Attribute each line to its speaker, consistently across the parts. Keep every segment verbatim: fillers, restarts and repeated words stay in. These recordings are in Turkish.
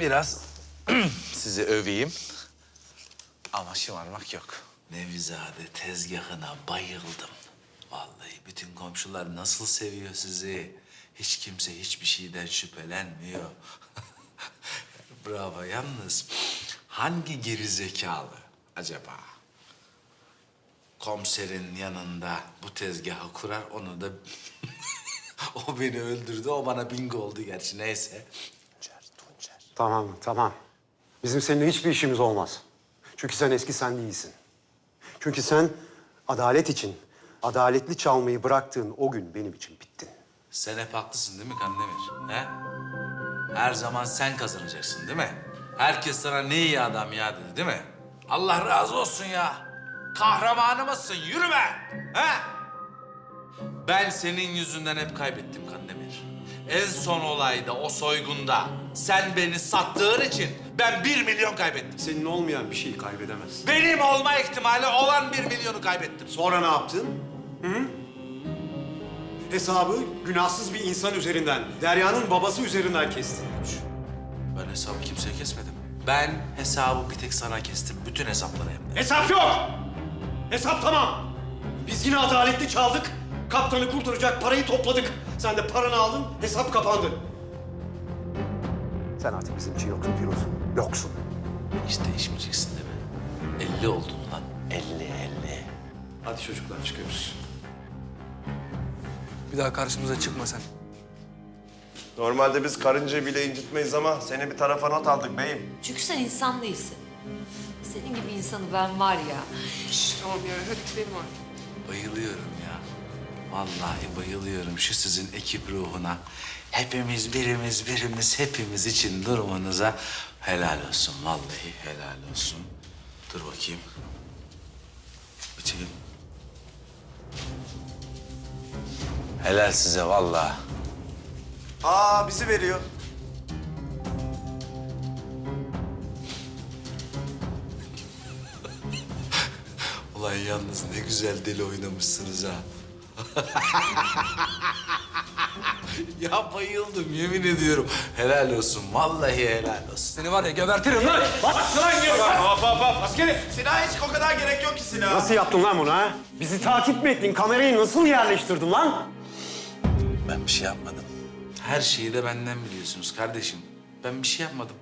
Speaker 1: biraz sizi öveyim. Ama şımarmak yok.
Speaker 2: Nevizade tezgahına bayıldım. Vallahi bütün komşular nasıl seviyor sizi. Hiç kimse hiçbir şeyden şüphelenmiyor. Bravo. Yalnız hangi gerizekalı acaba komiserin yanında bu tezgahı kurar, onu da... O beni öldürdü, o bana bingo oldu gerçi, neyse.
Speaker 1: Tuncer, Tuncer.
Speaker 3: Tamam, tamam. Bizim seninle hiçbir işimiz olmaz. Çünkü sen eski sen değilsin. Çünkü sen adalet için adaletli çalmayı bıraktığın o gün benim için bittin.
Speaker 2: Sen hep haklısın değil mi Kandemir? He? Her zaman sen kazanacaksın değil mi? Herkes sana ne iyi adam ya dedi değil mi? Allah razı olsun ya. Kahramanımızsın, yürü be! He? Ben senin yüzünden hep kaybettim Kandemir. En son olayda, o soygunda sen beni sattığın için ben bir milyon kaybettim.
Speaker 3: Senin olmayan bir şeyi kaybedemezsin.
Speaker 2: Benim olma ihtimali olan bir milyonu kaybettim.
Speaker 3: Sonra ne yaptın? Hı? Hesabı günahsız bir insan üzerinden, Derya'nın babası üzerinden kestin.
Speaker 2: Ben hesabı kimseye kesmedim. Ben hesabı bir tek sana kestim. Bütün hesapları hem de.
Speaker 3: Hesap yok! Hesap tamam. Biz yine adaletli çaldık. Kaptanı kurtaracak parayı topladık. Sen de paranı aldın, hesap kapandı. Sen artık bizim için yoksun Firuz. Yoksun.
Speaker 2: Hiç değişmeyeceksin değil mi? Elli oldun lan.
Speaker 1: Elli, elli.
Speaker 3: Hadi çocuklar çıkıyoruz.
Speaker 4: Bir daha karşımıza çıkma sen.
Speaker 5: Normalde biz karıncayı bile incitmeyiz ama seni bir tarafa not aldık beyim.
Speaker 6: Çünkü sen insan değilsin. Senin gibi insanı ben var ya.
Speaker 4: Tamam ya, hadi gidelim artık.
Speaker 2: Bayılıyorum ya. Vallahi bayılıyorum şu sizin ekip ruhuna. Hepimiz birimiz birimiz hepimiz için durumunuza helal olsun. Vallahi helal olsun. Dur bakayım. Bitireyim. Helal size vallahi.
Speaker 5: Aa bizi veriyor.
Speaker 2: Ulan yalnız ne güzel deli oynamışsınız ha. Ya bayıldım yemin ediyorum. Helal olsun vallahi helal olsun.
Speaker 4: Seni var ya gebertirim lan.
Speaker 5: Hop hop hop askeri. Silah hiç o kadar gerek yok ki silah.
Speaker 3: Nasıl yaptın lan bunu ha? Bizi takip mi ettin? Kamerayı nasıl yerleştirdin lan?
Speaker 2: Ben bir şey yapmadım. Her şeyi de benden biliyorsunuz kardeşim. Ben bir şey yapmadım.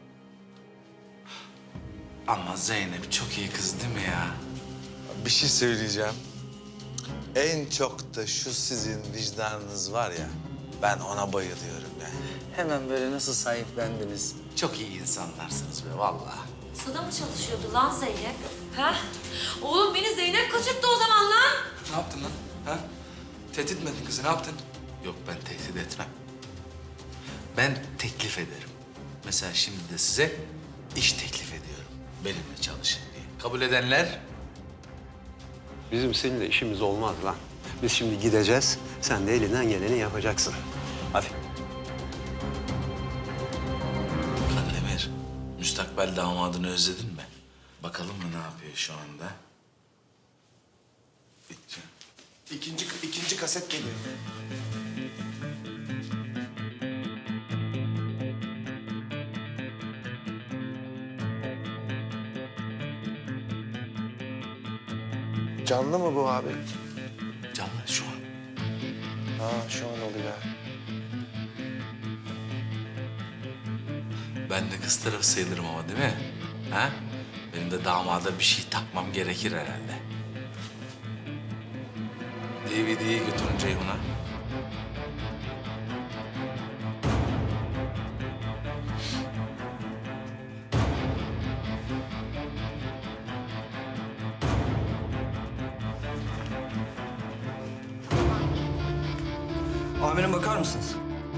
Speaker 2: Ama Zeynep çok iyi kız değil mi ya?
Speaker 1: Bir şey söyleyeceğim. En çok da şu sizin vicdanınız var ya, ben ona bayılıyorum ya. Hemen böyle nasıl sahiplendiniz?
Speaker 2: Çok iyi insanlarsınız be vallahi.
Speaker 6: Sana mı çalışıyordu lan Zeynep? Ha? Oğlum beni Zeynep kaçırttı o zaman lan.
Speaker 4: Ne yaptın lan? Ha? Tehdit mi ettin kızı, ne yaptın?
Speaker 2: Yok ben tehdit etmem. Ben teklif ederim. Mesela şimdi de size iş teklif ediyorum. Benimle çalışın diye. Kabul edenler?
Speaker 3: Bizim seninle işimiz olmaz lan. Biz şimdi gideceğiz. Sen de elinden geleni yapacaksın. Hadi.
Speaker 2: Kandemir, müstakbel damadını özledin mi? Bakalım mı ne yapıyor şu anda? Bitti.
Speaker 5: İkinci, ikinci kaset geliyor. Canlı mı bu abi?
Speaker 2: Canlı şu an.
Speaker 5: Ha şu an oluyor.
Speaker 2: Ben de kız tarafı sayılırım ama değil mi? Ha? Benim de damada bir şey takmam gerekir herhalde. D V D'yi götürün Ceyhun'a.
Speaker 4: Amirim bakar mısınız?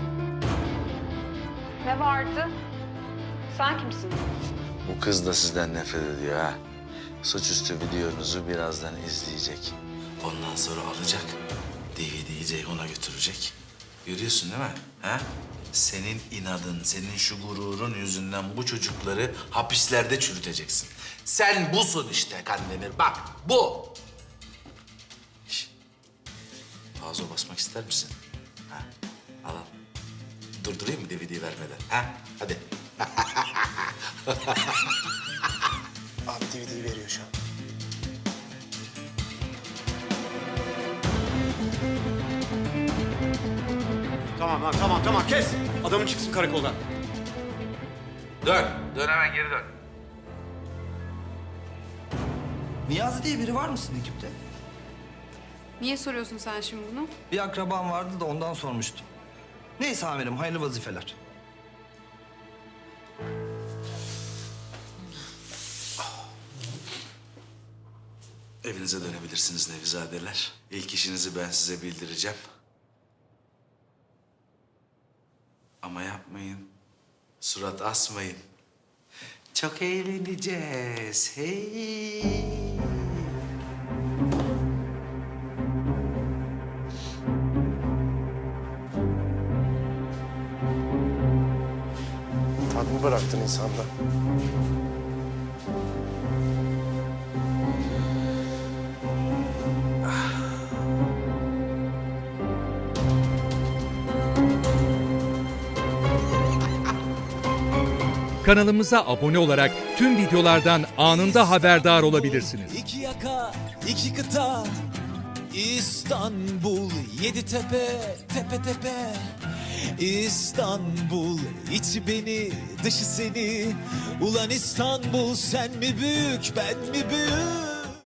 Speaker 7: Ne vardı? Sen kimsin?
Speaker 1: Bu kız da sizden nefret ediyor ha. Suçüstü videonuzu birazdan izleyecek.
Speaker 2: Ondan sonra alacak, D V D'yi Ceyhun'a götürecek. Görüyorsun değil mi? Ha? Senin inadın, senin şu gururun yüzünden bu çocukları hapislerde çürüteceksin. Sen busun işte Kandemir, bak bu. Şişt. Fazla basmak ister misin? Ha? Al al. Durdurayım mı D V D'yi vermeden? Ha? Hadi.
Speaker 8: Abi D V D'yi veriyor şu an.
Speaker 3: Tamam lan tamam tamam kes. Adamın çıksın karakoldan.
Speaker 2: Dön. Dön hemen geri dön.
Speaker 9: Niyazi diye biri var mısın ekipte?
Speaker 7: Niye soruyorsun sen şimdi bunu?
Speaker 9: Bir akraban vardı da ondan sormuştum. Neyse amirim, hayırlı vazifeler.
Speaker 2: Evinize dönebilirsiniz Nevizadeler. İlk işinizi ben size bildireceğim. Ama yapmayın. Surat asmayın. Çok eğleneceğiz. Hey.
Speaker 5: Tat mı bıraktın insanda?
Speaker 10: Kanalımıza abone olarak tüm videolardan anında haberdar olabilirsiniz.
Speaker 11: İki yaka, iki kıta, İstanbul, yedi tepe, tepe tepe. İstanbul, içi beni, dışı seni. Ulan İstanbul, sen mi büyük, ben mi büyük?